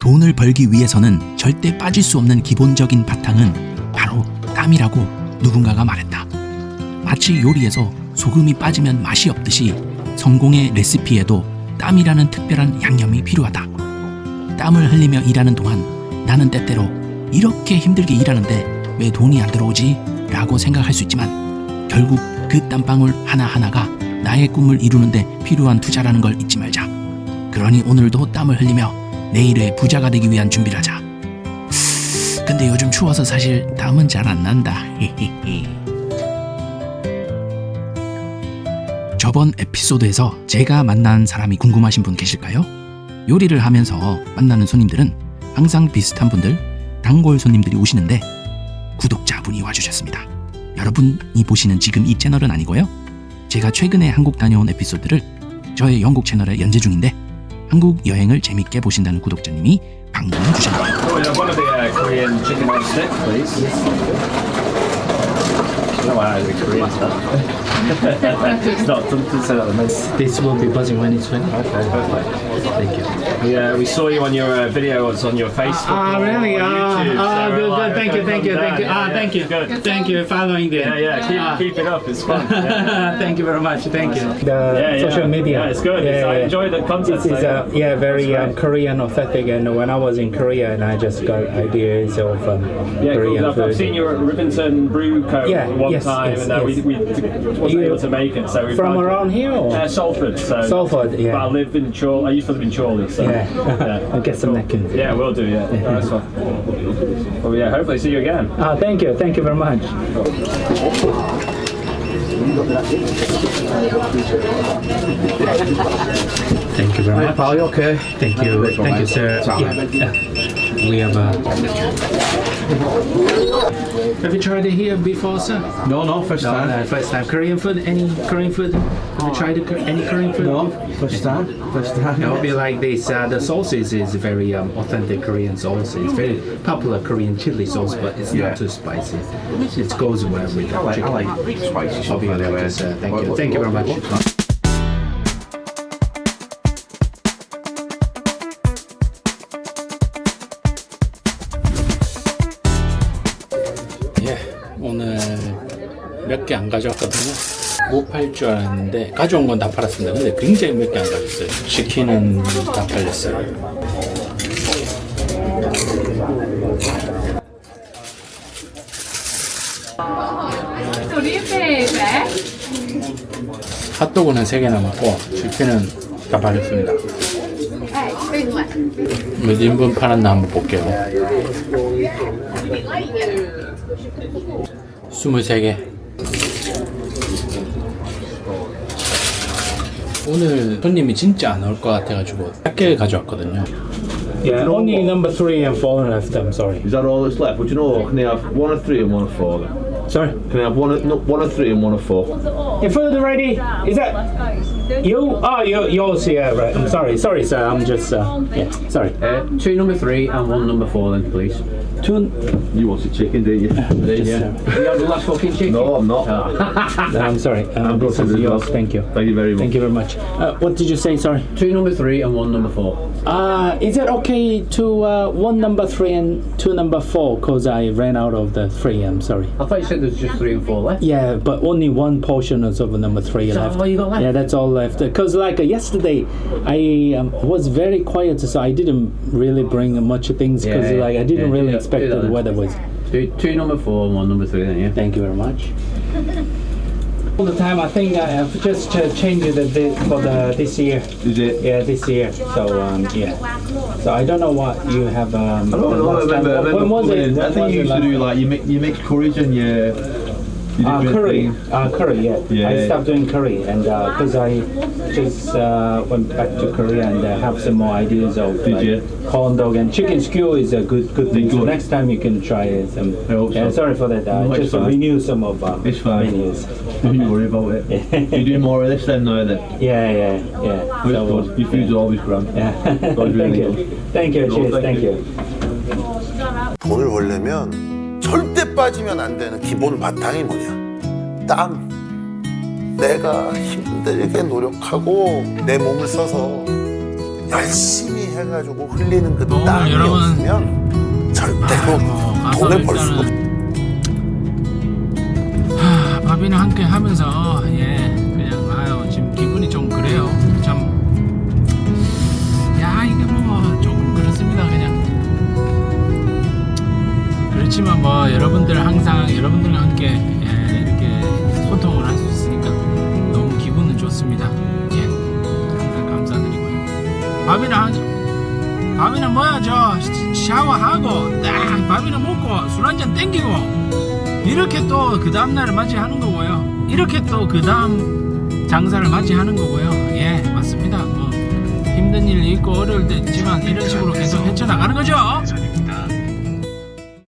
돈을 벌기 위해서는 절대 빠질 수 없는 기본적인 바탕은 바로 땀이라고 누군가가 말했다. 마치 요리에서 소금이 빠지면 맛이 없듯이 성공의 레시피에도 땀이라는 특별한 양념이 필요하다. 땀을 흘리며 일하는 동안 나는 때때로 이렇게 힘들게 일하는데 왜 돈이 안 들어오지? 라고 생각할 수 있지만 결국 그 땀방울 하나하나가 나의 꿈을 이루는데 필요한 투자라는 걸 잊지 말자. 그러니 오늘도 땀을 흘리며 내일의 부자가 되기 위한 준비를 하자. 근데 요즘 추워서 사실 땀은 잘 안 난다. 저번 에피소드에서 제가 만난 사람이 궁금하신 분 계실까요? 요리를 하면서 만나는 손님들은 항상 비슷한 분들, 단골 손님들이 오시는데 구독자분이 와주셨습니다. 여러분이 보시는 지금 이 채널은 아니고요. 제가 최근에 한국 다녀온 에피소드를 저의 영국 채널에 연재 중인데 한국 여행을 재밌게 보신다는 구독자님이 방문해 주셨네요. One of the Korean chicken on stick, please. No, I like Korean stuff. It's not something so that This will be buzzing when it's ready. Okay, perfect. Thank you. We saw you on your video. It's on your Facebook. Really? or YouTube, so Good, we're like, good. Thank you, thank you, thank you. Yeah, Thank you. Good. Thank you for following there. Keep it up. It's fun. Yeah. Thank you very much. Thank you. The social media. Yeah, it's good. I enjoy the content. This is very Korean authentic, and when I was in Korea, and I just got ideas of Korean cool. food. I've seen you at Rivington Brew Co. Yeah, one yes, time, yes, and yes. we wasn't able to make it. So we From around here? Or? Salford. So Salford, yeah. But I live in Chorley. I used to live in Chorley. So Yeah. I'll get some napkins. Yeah, we'll do. Yeah, nice one. Well, yeah. Hopefully, see you again. Thank you. Thank you very much. Thank you very much. Pal, you okay? Thank you, sir. Yeah. We have Have you tried it here before, sir? No, first No, time. first time. Korean food? Any Korean food? Have you tried any Korean food? No, first time. It will be like this. The sauces is very authentic Korean sauce. It's very popular Korean chili sauce, but it's Yeah. not too spicy. It goes well with the I chicken. like spicy stuff Okay, anyway. sir. Thank you. Thank you very much. 예, 오늘 몇 개 안 가져왔거든요. 못 팔 줄 알았는데 가져온 건 다 팔았습니다. 근데 굉장히 몇 개 안 가졌어요. 치킨은 다 팔렸어요. 핫도그는 3개 남았고 치킨은 다 팔렸습니다. 몇 인분 팔았나 한번 볼게요. 23개. 오늘 손님이 진짜 안 올 것 같아가지고 작게 가져왔거든요. Yeah, only number 3 and 4 left. I'm sorry. Is that all that's left? Would you know? Can they have one of 3 and one of 4 then? Sorry. Can I have one of 3 and one of 4? Your food ready? Is that you? Oh, yours. Yeah, right. I'm sorry. Sorry, sir. I'm just. Yeah. Sorry. 2 number 3 and 1 number 4 then, please. Two. You wanted chicken, didn't you? Yeah. You have the last fucking chicken? No, I'm not. No, I'm sorry. This is yours. Thank you. Thank you very much. Thank you very much. What did you say? Sorry. 2 number 3 and 1 number 4. Is it okay to 1 number 3 and 2 number 4? Cause I ran out of the 3. I'm sorry. I thought you said there's just 3 and 4 left. Yeah, but only one portion of number 3 Is that left. all you got left? Yeah, that's all left. Cause like yesterday, I was very quiet, so I didn't really bring much things. Cause Yeah, like I didn't yeah, really do expect that the then. weather was. 2 number 4 and 1 number 3 then, yeah? Thank you very much. All the time, I think I have just changed it for this year. Is it? Yeah, this year. So yeah. So I don't know what you have. I don't know. I remember When was coming it? in. I When think was you it used to last do time? like you mix curries and you did weird Curry. things. Curry, yeah. Yeah. I stopped doing curry, and because I just went back to Korea and have some more ideas of Did you? corn dog and chicken skew is a good thing. So Good. next time you can try it. I hope so. Sorry for that. No, it's just fine. renew some of It's fine. menus. Don't you worry about it. You do more of this then now then. Yeah. But it's good. Your food's always grand. Yeah. That's Thank really you. good. Thank you. No, Cheers. thank Thank you. you. 돈을 벌려면 절대 빠지면 안 되는 기본 바탕이 뭐냐? 땀. 내가 힘들게 노력하고 내 몸을 써서 열심히 해가지고 흘리는 그 오늘 땀이 여러분, 없으면 절대로 가서 돈을 벌 수가 없어. 밥이나 함께 하면서 그냥 지금 기분이 좀 그래요. 참 이게 뭐 조금 그렇습니다. 그냥 그렇지만 뭐 여러분들 항상 여러분들과 함께 이렇게 소통을 할 수 있으니까 너무 기분은 좋습니다. 항상 감사드리고요. 밥이나 뭐야 샤워하고 딱 밥이나 먹고 술 한잔 땡기고 이렇게 또 그 다음날을 맞이하는 거고요. 이렇게 또 그 다음 장사를 맞이하는 거고요. 맞습니다. 뭐 힘든 일이 있고 어려울 때 있지만 이런 식으로 계속 헤쳐나가는 거죠.